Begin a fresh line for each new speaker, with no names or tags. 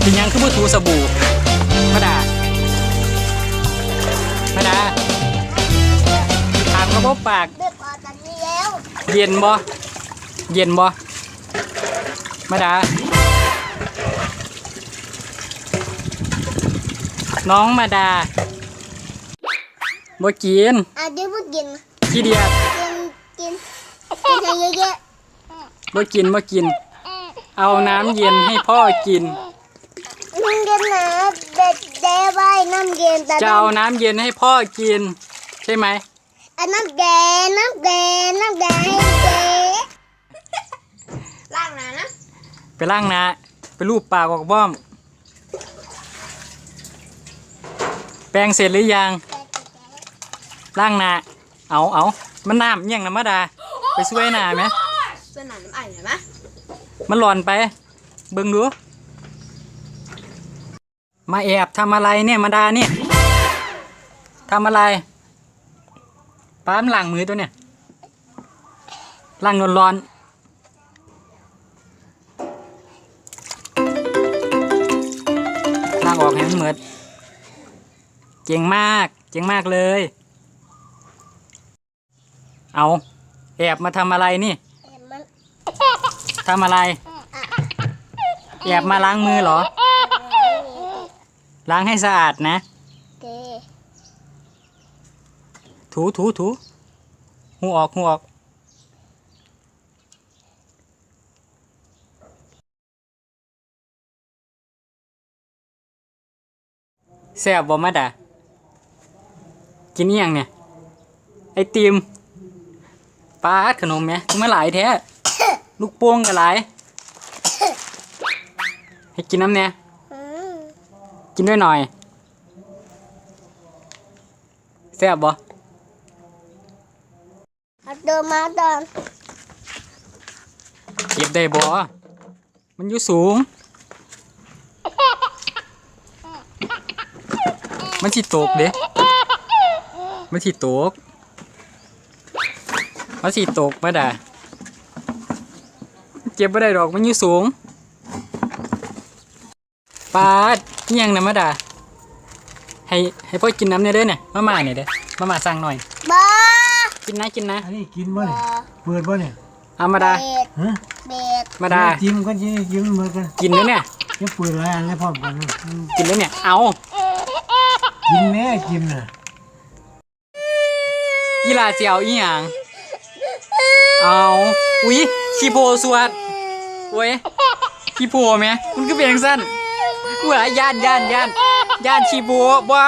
เป็นยังคือมือถูสบู่มาดาถามกระบอกปาก
เด็กออกจากนี้แล้ว
เย็นบ่มาดาน้องมาดาบ่กิน
เดี๋ยวพูดกิน
ขี้เดียด
กินให้เยอะ
บ่กินเอาน้ำเย็นให้พ่อกิน
น้ำเย็นนะเด็กเด้ไว้น้ำเย็น
จะเอาน้ำเย็นให้พ่อกินใช่ไหม
น้ำแดงให้เจ๊ล้างนะ
ไปล้างนะไปลูบปากออกบ้อมแปรงเสร็จหรือยังล้างนาเอามันน้ำยังนะมาดาไปช่วยนาไหม
ช่วยหนาน้ำไอ้เห็นไหม
มันหลอนไปเบิ่งดูมาแอบทำอะไรเนี่ยมาดาเนี่ยทำอะไรป้ามล้างมือตัวเนี่ยล้างร้อนล้างออกให้มันเหมือนเก่งมากเลยเอาแอบมาทำอะไรนี่ทำอะไรแอบมาล้างมือเหรอล้างให้สะอาดนะถูหูออกแซ่บบ่มาดากินอีหยังเนี่ยไอติมปลาขนมไหมเมื่อหลายแท้ลูกโป่งก็หลายให้กินน้ำเนี่ยกินด้วยหน่อยแซ่บบ่
เดินมาตอน
เก็บได้บ่มันอยู่สูงมันสิตกเด้มันสิตกมาด่าเก็บไม่ได้ดอกมันอยู่สูงปาดนี่ยังนะมาด่าให้พ่อกินน้ำเนี่ยเด้อเนี่ยมาเนี่ยเด้อมาสั่งหน่อย
บ้า
กินนะ
อันนี้กินบ่เนี่ยเปิดบ่เนี่ย
เอามาด่า
เบ็ด
มาด่า
จิ้มกันจิ้มเหมือนกัน
กินด้วยเนี่ย
จะเปิดอะไรอะไรพร้อมกัน
กินด้วยเนี่ยเอา
กินแน่กินน่ะ
ยีราเจียวอีหยังเอาอุ๊ยขี้โพสวดโว้ยขี้โพไหมมันก็เป็นสั้นหัวย่านขี้โพบ่